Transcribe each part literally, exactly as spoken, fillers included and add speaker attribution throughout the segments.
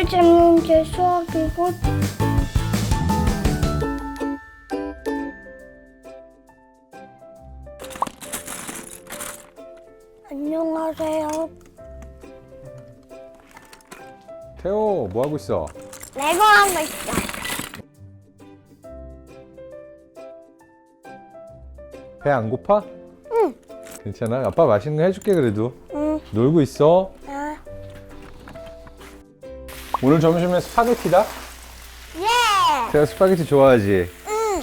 Speaker 1: 잡는 게 수학이고. 안녕하세요.
Speaker 2: 태호, 뭐 하고 있어?
Speaker 1: 레고 하고 있어.
Speaker 2: 배 안 고파?
Speaker 1: 응.
Speaker 2: 괜찮아? 아빠 맛있는 거 해줄게 그래도.
Speaker 1: 응.
Speaker 2: 놀고 있어.
Speaker 1: 아.
Speaker 2: 오늘 점심에 스파게티다?
Speaker 1: 예.
Speaker 2: 태호 스파게티 좋아하지?
Speaker 1: 응.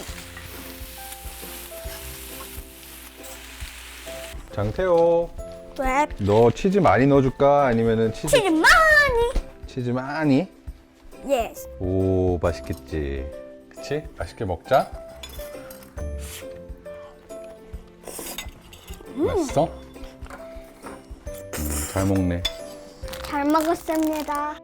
Speaker 2: 장태호,
Speaker 1: 왜?
Speaker 2: 너 치즈 많이 넣어줄까? 아니면은 치즈
Speaker 1: 치즈 많이.
Speaker 2: 치즈 많이?
Speaker 1: 예스.
Speaker 2: 오, 맛있겠지. 그치? 맛있게 먹자.
Speaker 1: 음.
Speaker 2: 맛있어? 음, 잘 먹네.
Speaker 1: 잘 먹었습니다.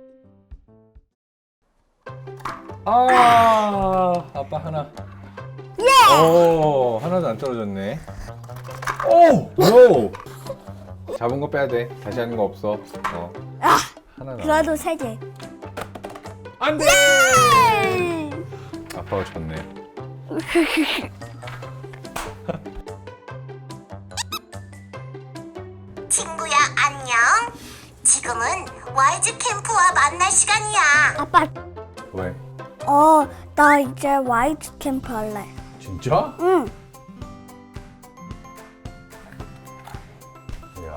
Speaker 2: 아, 아빠 하나.
Speaker 1: 예.
Speaker 2: 오, 하나도 안 떨어졌네. 오, 노. 잡은 거 빼야 돼. 다시 하는 거 없어. 어,
Speaker 1: 아.
Speaker 2: 하나 나.
Speaker 1: 그래도 세 개.
Speaker 2: 안 돼.
Speaker 1: 예.
Speaker 2: 아빠가 졌네.
Speaker 3: 친구야 안녕. 지금은 와이즈 캠프와 만날 시간이야.
Speaker 1: 아빠.
Speaker 2: 왜?
Speaker 1: 어, 나 이제 와이트 캠프 할래.
Speaker 2: 진짜?
Speaker 1: 응.
Speaker 2: 이야.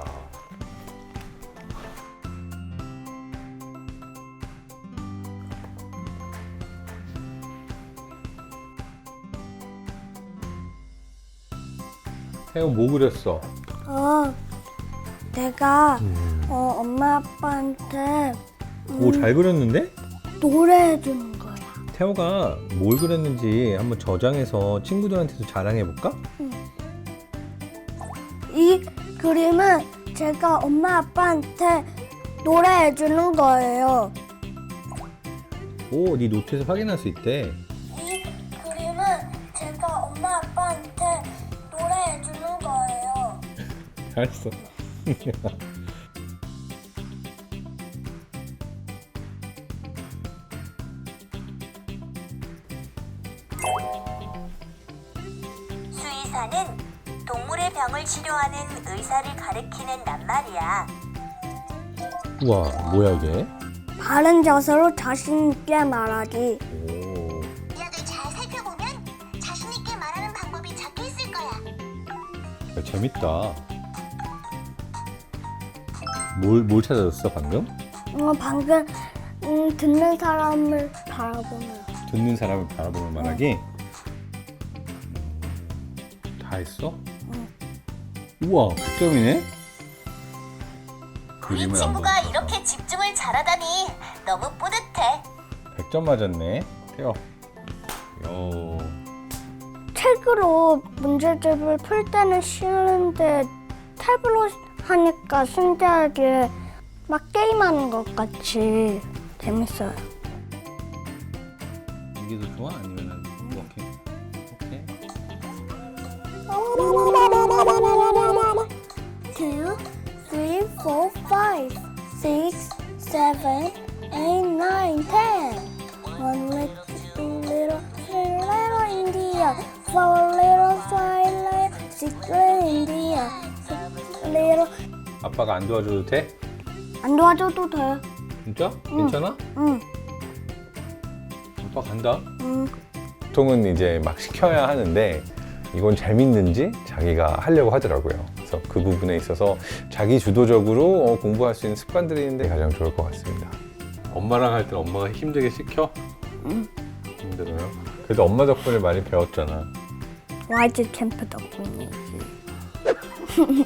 Speaker 2: 태호 뭐 그렸어?
Speaker 1: 어, 내가 어, 엄마 아빠한테
Speaker 2: 오, 잘 그렸는데?
Speaker 1: 노래해 주는 거야.
Speaker 2: 태호가 뭘 그렸는지 한번 저장해서 친구들한테도 자랑해볼까?
Speaker 1: 이 그림은 제가 엄마 아빠한테 노래해 주는 거예요.
Speaker 2: 오, 네 노트에서 확인할 수 있대.
Speaker 1: 이 그림은 제가 엄마 아빠한테 노래해 주는 거예요.
Speaker 2: 잘했어.
Speaker 3: 수의사는 동물의 병을 치료하는 의사를 가리키는 낱말이야.
Speaker 2: 우와, 뭐야 이게?
Speaker 1: 바른 자세로 자신 있게 말하기.
Speaker 2: 오,
Speaker 3: 약을 잘 살펴보면 자신 있게 말하는 방법이 적혀 있을 거야.
Speaker 2: 야, 재밌다. 뭘, 뭘 찾아줬어 방금?
Speaker 1: 어, 방금 음, 듣는 사람을 바라보면.
Speaker 2: 듣는 사람을 바라보는 말하기? 다 했어?
Speaker 1: 응.
Speaker 2: 우와, 백 점이네?
Speaker 3: 우리
Speaker 2: 그림을 안
Speaker 3: 친구가
Speaker 2: 보니까.
Speaker 3: 이렇게 집중을 잘하다니 너무 뿌듯해.
Speaker 2: 백 점 맞았네. 태워. 요.
Speaker 1: 책으로 문제집을 풀 때는 쉬운데 탭으로 하니까 신기하게 막 게임하는 것 같이 재밌어요.
Speaker 2: 이게 더 좋아? 아니면은 이렇게? 오케이.
Speaker 1: Two, three, four, five, six, seven, eight, nine, ten. One little, two little, three little India, four little, five little, six little India, six little.
Speaker 2: 아빠가 안 도와줘도 돼?
Speaker 1: 안 도와줘도 돼.
Speaker 2: 진짜? 괜찮아?
Speaker 1: 응,
Speaker 2: 아빠 간다.
Speaker 1: 응.
Speaker 2: 보통은 이제 막 시켜야 하는데 이건 재밌는지 자기가 하려고 하더라고요. 그래서 그 부분에 있어서 자기 주도적으로 어, 공부할 수 있는 습관들이 있는데 가장 좋을 것 같습니다. 엄마랑 할 때 엄마가 힘들게 시켜?
Speaker 1: 응.
Speaker 2: 힘들어요? 그래도 엄마 덕분에 많이 배웠잖아.
Speaker 1: 와이즈 캠프 덕분이지.